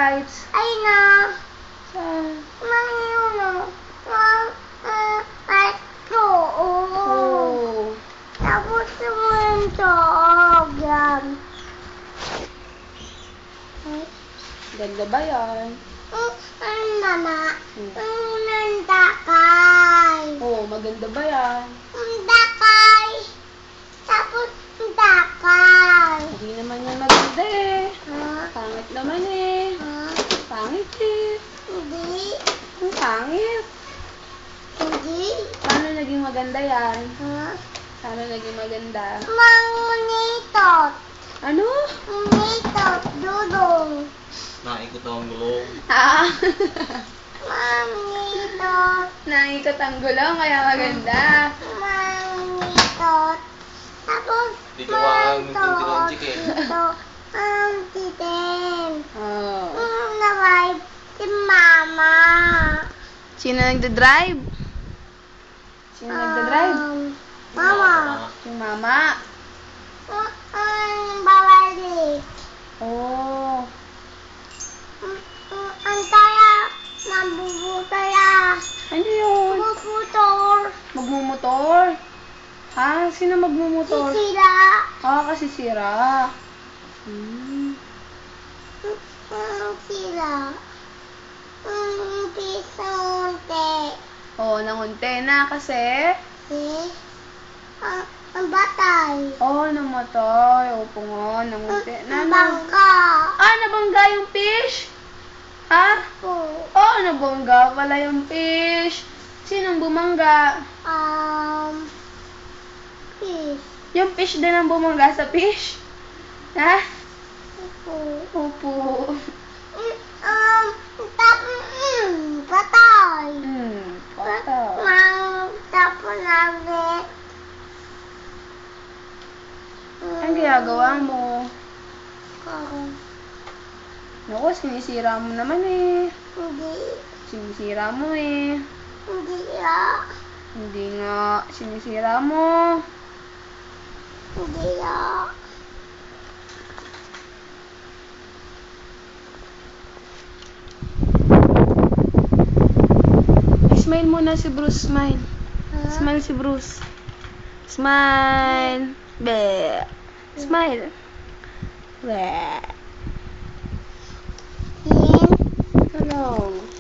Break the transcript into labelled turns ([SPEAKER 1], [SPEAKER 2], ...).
[SPEAKER 1] lights?
[SPEAKER 2] Ay na.
[SPEAKER 1] Saan?
[SPEAKER 2] Ayun na.
[SPEAKER 1] Oo.
[SPEAKER 2] Tapos yung tog yan.
[SPEAKER 1] Ganda ba yan?
[SPEAKER 2] Ang mama. Ang dakay.
[SPEAKER 1] Oo, maganda ba yan?
[SPEAKER 2] Ang dakay. Tapos ang dakay.
[SPEAKER 1] Hindi naman yan maganda eh.
[SPEAKER 2] Ha?
[SPEAKER 1] Pangit naman eh.
[SPEAKER 2] Ha?
[SPEAKER 1] Pangit eh.
[SPEAKER 2] Hindi.
[SPEAKER 1] Ang pangit.
[SPEAKER 2] Hindi.
[SPEAKER 1] Paano naging maganda yan?
[SPEAKER 2] Ha?
[SPEAKER 1] Paano naging maganda?
[SPEAKER 2] Manganitot.
[SPEAKER 1] Ano?
[SPEAKER 2] Manitot. Dudong.
[SPEAKER 3] Naikot ang gulong.
[SPEAKER 1] Ah.
[SPEAKER 2] Manitot.
[SPEAKER 1] Naikot ang gulong kaya maganda.
[SPEAKER 2] Manitot. Tapos
[SPEAKER 3] Di ko ang tintinonjik eh.
[SPEAKER 2] Ito ang titin.
[SPEAKER 1] Oh.
[SPEAKER 2] Nabay si mama.
[SPEAKER 1] Sino nagda-drive? Sino nagda-drive?
[SPEAKER 2] Mama.
[SPEAKER 1] Yung mama.
[SPEAKER 2] Ang babalik.
[SPEAKER 1] Oh.
[SPEAKER 2] Ang taya. Mabubutaya.
[SPEAKER 1] Ano yun?
[SPEAKER 2] Bubutol.
[SPEAKER 1] Magmumotor? Ha? Sino magmumotor?
[SPEAKER 2] Sisira.
[SPEAKER 1] Ah, kasi sira.
[SPEAKER 2] Sira. Pisonte.
[SPEAKER 1] Oo, nangunti na kasi.
[SPEAKER 2] Ang batay.
[SPEAKER 1] Oo, namatay. Opo nga, nangunti na.
[SPEAKER 2] Ang bangka.
[SPEAKER 1] Ah, nabangga yung fish? Ha? Oo, nabangga pala yung fish. Sinong bumangga?
[SPEAKER 2] Fish.
[SPEAKER 1] Yung fish din ang bumangga sa fish? Ha? Opo.
[SPEAKER 2] Patay.
[SPEAKER 1] Patay.
[SPEAKER 2] Tapos namin.
[SPEAKER 1] Ang ginagawa mo? Naku, sinisira mo naman eh.
[SPEAKER 2] Hindi.
[SPEAKER 1] Sinisira mo eh.
[SPEAKER 2] Hindi ya.
[SPEAKER 1] Hindi nga. Sinisira mo.
[SPEAKER 2] Hindi ya.
[SPEAKER 1] Smile muna si Bruce. Smile. Smile si Bruce. Smile. Be. Smile. Be. Hello.